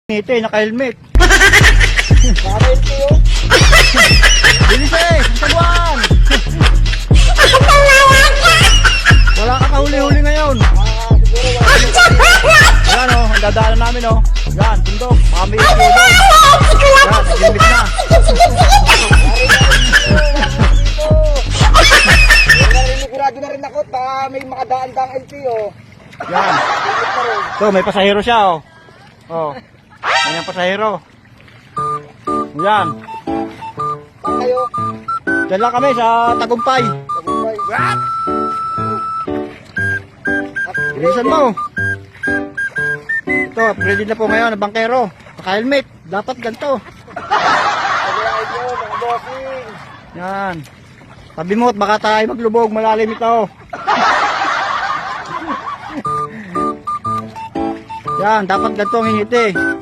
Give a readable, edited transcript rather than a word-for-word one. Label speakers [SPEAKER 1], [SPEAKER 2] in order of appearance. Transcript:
[SPEAKER 1] Ito eh, naka-helmet.
[SPEAKER 2] Naka-LTO.
[SPEAKER 1] Bilis eh, sa buwan. Wala ka kahuli-huli ngayon.
[SPEAKER 2] Siguro wala.
[SPEAKER 1] Yan o, ang dadaanan namin o. Yan, bundok. Baka may issue doon. Yan, nag-helmet na.
[SPEAKER 2] Sigurado na rin ako, baka may makadaan-daang LTO.
[SPEAKER 1] Yan. So, may pasahero siya o. O, yan ang pasahero. Yan.
[SPEAKER 2] Saan kayo?
[SPEAKER 1] Diyan lang kami sa Tagumpay.
[SPEAKER 2] Tagumpay.
[SPEAKER 1] Bilisan mo. Ito, ready na po ngayon ang bangkero. Naka-helmet. Dapat ganito.
[SPEAKER 2] Paglain nyo, mga bossing.
[SPEAKER 1] Yan. Sabi mo, baka tayo maglubog. Malalim ito. Yan, dapat ganito ang hingiti.